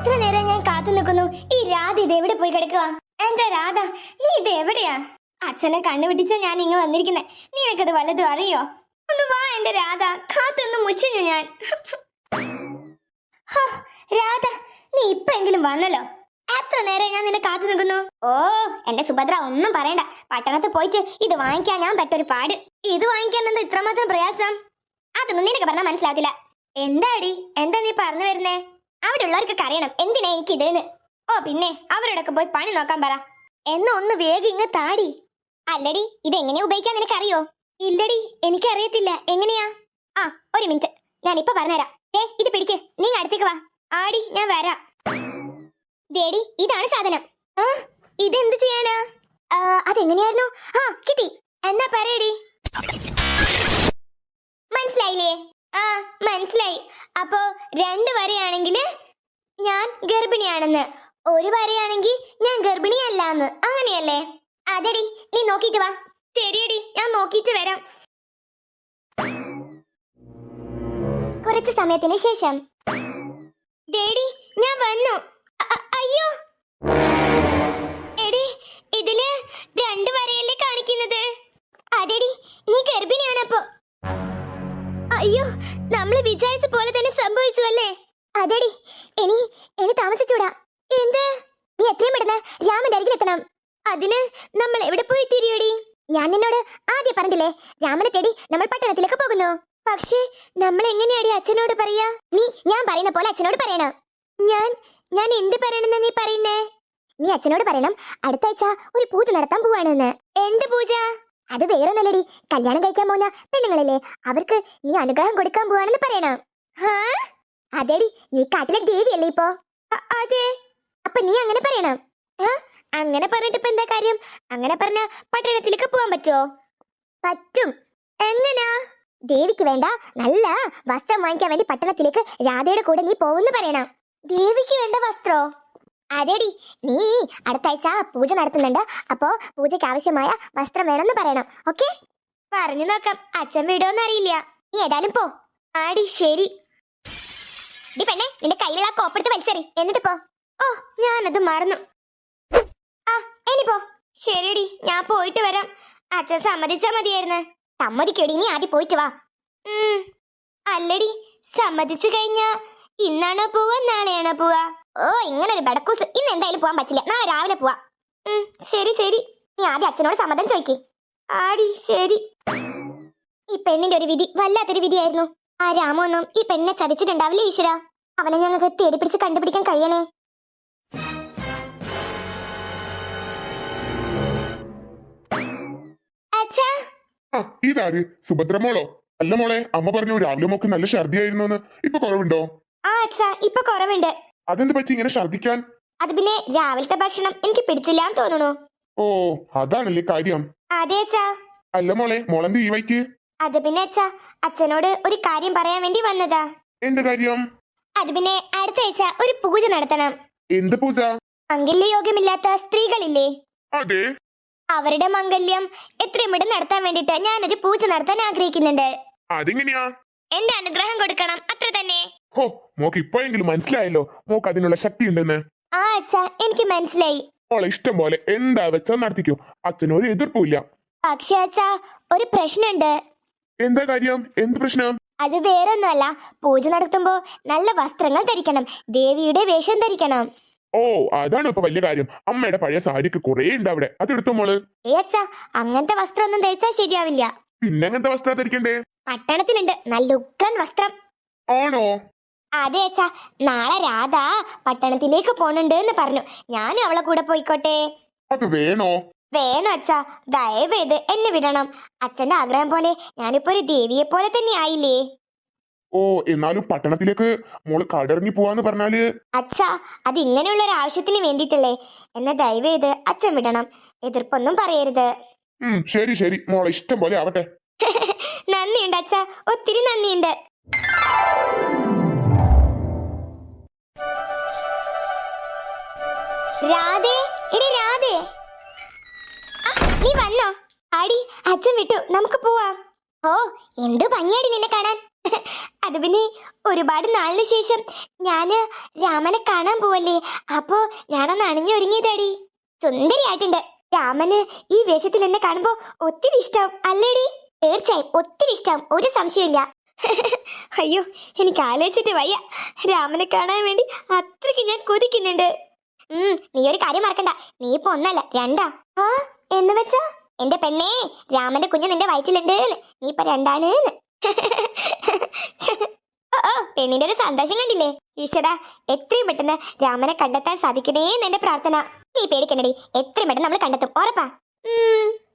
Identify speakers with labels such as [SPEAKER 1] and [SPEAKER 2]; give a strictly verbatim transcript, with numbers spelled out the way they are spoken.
[SPEAKER 1] എത്ര നേരം ഞാൻ കാത്തു നിൽക്കുന്നു. ഈ രാധ ഇത് എവിടെ പോയി കിടക്കുക? എന്റെ രാധ, നീ ഇത് എവിടെയാ? അച്ഛനെ കണ്ണുപിടിച്ച ഞാൻ ഇങ്ങ് വന്നിരിക്കുന്നെ. നിനക്കത് വല്ലതും അറിയോ? ഒന്ന് വാ എന്റെ രാധ, കാത്തൊന്ന് മുഷിഞ്ഞു ഞാൻ. ഹോ, രാധ, നീ ഇപ്പെങ്കിലും വന്നല്ലോ. എത്ര നേരം ഞാൻ നിന്നെ കാത്തു നിൽക്കുന്നു. ഓ എന്റെ സുഭദ്ര, ഒന്നും പറയണ്ട. പട്ടണത്തിൽ പോയിട്ട് ഇത് വാങ്ങിക്കാൻ ഞാൻ പെട്ടൊരു പാട്. ഇത് വാങ്ങിക്കാൻ എന്താ ഇത്രമാത്രം പ്രയാസം? അതൊന്നും നിനക്ക് പറഞ്ഞാൽ മനസ്സിലാത്തില്ല. എന്താടി, എന്താ നീ പറഞ്ഞു വരുന്നേ? അവിടെ ഉള്ളവർക്കൊക്കെ അറിയണം എന്തിനാ എനിക്ക് ഇതെന്ന്. ഓ പിന്നെ അവരോടൊക്കെ പോയി പണി നോക്കാൻ പറ. എന്നാ ഒന്ന് വേഗം ഇങ്ങ് താടി. അല്ലടി, ഇതെങ്ങനെയാ ഉപയോഗിക്കാൻ നിനക്കറിയോ? ഇല്ലടി, എനിക്കറിയത്തില്ല. എങ്ങനെയാ? ആ ഒരു മിനിറ്റ്, ഞാൻ ഇപ്പൊ പറഞ്ഞുതരാം. ഏ ഇത് പിടിക്ക്, നീ അടുത്തേക്ക് വാ. ആടി, ഞാൻ വരാം. ദേടി, ഇതാണ് സാധനം. ആ ഇതെന്ത് ചെയ്യാനാ? അതെങ്ങനെയായിരുന്നു? ആ കിട്ടി. എന്നാ പറയടി. മനസ്സിലായില്ലേ? ആ മനസ്സിലായി. അപ്പോ രണ്ട് വരെയാണെങ്കിൽ ഞാൻ ഗർഭിണിയാണെന്ന്, ഒരു വരെയാണെങ്കിൽ ഞാൻ ഗർഭിണിയല്ലാന്ന്, അങ്ങനെയല്ലേ? അതെടി, നീ നോക്കിട്ട് വാ. ശരിയടി, ഞാൻ നോക്കിട്ട് വരാം. കുറച്ചു സമയത്തിന് ശേഷം. ഡേഡി, ഞാൻ വന്നു. അയ്യോ എടി, ഇതില് രണ്ട് വരയല്ലേ കാണിക്കുന്നത്? അതെടി, നീ ഗർഭിണിയാണപ്പോ. അയ്യോ, നമ്മൾ വിചാരിച്ച പോലെ തന്നെ സംഭവിച്ചു അല്ലേ? അതെടി, ഇനി ഇനി താമസിച്ചൂടാ. എന്ത്? നീ എത്രയും പെട്ടെന്ന് രാമന്റെ അരികിൽ എത്തണം. അതിന് നമ്മൾ എവിടെ പോയി തിരിയടി? ഞാൻ നിന്നോട് ആദ്യം പറഞ്ഞില്ലേ, രാമനെ തേടി നമ്മൾ പട്ടണത്തിലേക്ക് പോകുന്നു. പക്ഷേ നമ്മൾ എങ്ങനെയാടി അച്ഛനോട് പറയാ? നീ ഞാൻ പറയുന്ന പോലെ അച്ഛനോട് പറയണം. ഞാൻ ഞാൻ എന്ത് പറയണെന്ന് നീ പറയുന്നേ? നീ അച്ഛനോട് പറയണം അടുത്ത ആഴ്ച ഒരു പൂജ നടത്താൻ പോവാണെന്ന്. എന്ത് പൂജ? അത് വേറെ നല്ലടി, കല്യാണം കഴിക്കാൻ പോകുന്ന പെണ്ണുങ്ങളല്ലേ, അവർക്ക് നീ അനുഗ്രഹം കൊടുക്കാൻ പോവാണെന്ന് പറയണം. അതെടി, നീ കാട്ടിലെ ദേവിയല്ലേ ഇപ്പോ? അതെ. അപ്പൊ നീ അങ്ങനെ പറയണം. അങ്ങനെ പറഞ്ഞിട്ട് ഇപ്പൊ എന്താ കാര്യം? അങ്ങനെ പറഞ്ഞ പട്ടണത്തിലേക്ക് പോവാൻ പറ്റുമോ? പറ്റും. എങ്ങനാ? ദേവിക്ക് വേണ്ട നല്ല വസ്ത്രം വാങ്ങിക്കാൻ വേണ്ടി പട്ടണത്തിലേക്ക് രാധയുടെ കൂടെ നീ പോകുന്നു പറയണം. ദേവിക്ക് വേണ്ട വസ്ത്രോ? അതെടി, നീ അടുത്ത ആഴ്ച പൂജ നടത്തുന്നുണ്ട്, അപ്പോ പൂജയ്ക്ക് ആവശ്യമായ വസ്ത്രം വേണമെന്ന് പറയണം. ഓക്കെ? പറഞ്ഞു നോക്കാം. അച്ഛൻ വിടോന്ന് അറിയില്ല. നീ ഏതായാലും പോ. ആടി ശരി. ഡി പെണ്ണെ, നിന്റെ കയ്യിലുള്ള കോപ്പെടുത്ത് വലിച്ചെറി, എന്നിട്ട് പോ. ഓ, ഞാനത് മറന്നു. ആ ഇനി പോ. ശരിയടി, ഞാൻ പോയിട്ട് വരാം. അച്ഛൻ സമ്മതിച്ചാ മതിയായിരുന്നു. സമ്മതിക്കടി, നീ ആദ്യം പോയിട്ട് വാ. ഉം അല്ലടി, സമ്മതിച്ചു കഴിഞ്ഞാ ഇന്നാണോ പോവാ നാളെയാണോ പോവാ? ഓ ഇങ്ങനെ ഒരു ബടക്കൂസ്, ഇന്ന് എന്തായാലും പോവാൻ പറ്റില്ല, നാളെ രാവിലെ പോവാ. ഉം ശരി ശരി, നീ ആദ്യം അച്ഛനോട് സമ്മതം ചോദിക്കേ. ആടി ശരി. ഈ പെണ്ണിന്റെ ഒരു വിധി വല്ലാത്തൊരു വിധിയായിരുന്നു. ആ രാമൊന്നും ഈ പെണ്ണിനെ ചതിച്ചിട്ടുണ്ടാവില്ലേ ഈശ്വര. അവനെ ഞങ്ങൾക്ക് തേടിപ്പിടിച്ച് കണ്ടുപിടിക്കാൻ കഴിയണേ. അച്ഛാ,
[SPEAKER 2] ഇതാര്? സുഭദ്ര മോളോ? അല്ല മോളെ, അമ്മ പറഞ്ഞു രാവിലെ മോക്ക് നല്ല ഛർദിയായിരുന്നു. ഇപ്പൊ കുറവുണ്ടോ?
[SPEAKER 1] ആ അച്ഛാ, ഇപ്പൊ കുറവുണ്ട്.
[SPEAKER 2] അതെന്ത് പറ്റി ഇങ്ങനെ ഛർദിക്കാൻ?
[SPEAKER 1] അത് പിന്നെ രാവിലത്തെ ഭക്ഷണം എനിക്ക് പിടിച്ചില്ലാന്ന് തോന്നുന്നു.
[SPEAKER 2] ഓ അതാണല്ലേ കാര്യം.
[SPEAKER 1] അതെ അച്ഛാ.
[SPEAKER 2] അല്ല മോളെ, മോളെന്ത് ഈ വൈക്ക്?
[SPEAKER 1] അത് പിന്നെ അച്ഛാ, അച്ഛനോട് ഒരു കാര്യം പറയാൻ വേണ്ടി വന്നതാ.
[SPEAKER 2] എന്ത് കാര്യം?
[SPEAKER 1] അത് പിന്നെ അടുത്ത ആഴ്ച ഒരു പൂജ നടത്തണം.
[SPEAKER 2] എന്ത് പൂജ?
[SPEAKER 1] മംഗല്യയോഗമില്ലാത്ത സ്ത്രീകളില്ലേ,
[SPEAKER 2] അതെ,
[SPEAKER 1] അവരുടെ മംഗല്യം എത്രയും പെട്ടെന്ന് നടത്താൻ വേണ്ടിട്ട് ഞാനൊരു പൂജ നടത്താൻ ആഗ്രഹിക്കുന്നുണ്ട്.
[SPEAKER 2] അതെങ്ങനെയാ?
[SPEAKER 1] എന്റെ അനുഗ്രഹം കൊടുക്കണം, അത്ര തന്നെ.
[SPEAKER 2] ഹോ, മോക്ക് ഇപ്പോഴെങ്കിലും മനസ്സിലായല്ലോ മോക്ക് അതിനുള്ള ശക്തി ഉണ്ടെന്ന്.
[SPEAKER 1] ആ അച്ഛാ, എനിക്ക് മനസ്സിലായി.
[SPEAKER 2] മോളെ ഇഷ്ടം പോലെ എന്താ വെച്ചാൽ നടത്തിക്കോ, അച്ഛനൊരു എതിർപ്പില്ല.
[SPEAKER 1] പക്ഷേ അച്ഛാ, ഒരു പ്രശ്നമുണ്ട്.
[SPEAKER 2] എന്താ കാര്യം? എന്ത് പ്രശ്നം?
[SPEAKER 1] അത് വേറൊന്നുമല്ല, പൂജ നടത്തുമ്പോ നല്ല വസ്ത്രങ്ങൾ ധരിക്കണം, ദേവിയുടെ വേഷം ധരിക്കണം.
[SPEAKER 2] ഓ അതാണ് ഇപ്പൊ വലിയ കാര്യം. അമ്മയുടെ പഴയ സാരിക്ക് കുറെ ഉണ്ട് അവിടെ, അതെടുത്തോ മോള്.
[SPEAKER 1] ഏ അച്ഛാ, അങ്ങനത്തെ വസ്ത്രം ഒന്നും ധരിച്ചാ ശരിയാവില്ല.
[SPEAKER 2] പിന്നെ അങ്ങനത്തെ വസ്ത്രം ധരിക്കണ്ടേ?
[SPEAKER 1] പട്ടണത്തിലുണ്ട് നല്ല ഉഗ്രൻ വസ്ത്രം.
[SPEAKER 2] ആണോ?
[SPEAKER 1] അതെ അച്ഛാ, നാളെ രാധ പട്ടണത്തിലേക്ക് പോണുണ്ട് എന്ന് പറഞ്ഞു. ഞാനും അവളെ കൂടെ പോയിക്കോട്ടെ?
[SPEAKER 2] അത് വേണോ?
[SPEAKER 1] വേണം അച്ഛാ, ദയവേത് എന്നെ വിടണം. അച്ഛന്റെ ആഗ്രഹം പോലെ ഞാനിപ്പോ ഒരു ദേവിയെ പോലെ തന്നെ ആയില്ലേ.
[SPEAKER 2] ഓ എന്നാലും പട്ടണത്തിലേക്ക് മോള് കടറിഞ്ഞു പോവാന്ന് പറഞ്ഞാല്?
[SPEAKER 1] അച്ഛാ, അത് ഇങ്ങനെയുള്ള ഒരു ആവശ്യത്തിന് വേണ്ടിയിട്ടല്ലേ. എന്നെ ദയവേത് അച്ഛൻ വിടണം, എതിർപ്പൊന്നും പറയരുത്.
[SPEAKER 2] ഉം ശരി ശരി, മോളെ ഇഷ്ടം പോലെ ആവട്ടെ.
[SPEAKER 1] നന്ദിയുണ്ട് അച്ഛാ, ഒത്തിരി നന്ദിയുണ്ട്. രാധേ, എടി രാധേ, നീ വന്നോ? ആടി, അച്ഛൻ വിട്ടു, നമുക്ക് പോവാം. ഓ എന്ത് ഭംഗിയാടി നിന്നെ കാണാൻ. അത് പിന്നെ ഒരുപാട് നാളിന് ശേഷം ഞാന് രാമനെ കാണാൻ പോവല്ലേ, അപ്പോ ഞാനൊന്ന് അണിഞ്ഞൊരുങ്ങിയതാടി. സുന്ദരിയായിട്ടുണ്ട്. രാമന് ഈ വേഷത്തിൽ എന്നെ കാണുമ്പോ ഒത്തിരി ഇഷ്ടാവും അല്ലേടി? തീർച്ചയായും ഒത്തിരി ഇഷ്ടാവും, ഒരു സംശയമില്ല. അയ്യോ, എനിക്ക് ആലോചിച്ചിട്ട് വയ്യ. രാമനെ കാണാൻ വേണ്ടി അത്രയ്ക്ക് ഞാൻ കൊതിക്കുന്നുണ്ട്. ഉം നീ ഒരു കാര്യം മറക്കണ്ട, നീ ഇപ്പൊ ഒന്നല്ല രണ്ടാ. ആ എന്ന് വെച്ചാ? എന്റെ പെണ്ണേ, രാമന്റെ കുഞ്ഞ് നിന്റെ വയറ്റിലുണ്ട്, നീ ഇപ്പൊ രണ്ടാണ്. ഓ ഓ, പെണ്ണിന്റെ ഒരു സന്തോഷം കണ്ടില്ലേ? ഈശ്വര, എത്രയും പെട്ടെന്ന് രാമനെ കണ്ടെത്താൻ സാധിക്കണേന്ന് എന്റെ പ്രാർത്ഥന. നീ പേടിക്കണ്ടടി, എത്രയും പെട്ടെന്ന് നമ്മൾ കണ്ടെത്തും, ഉറപ്പാ. ഉം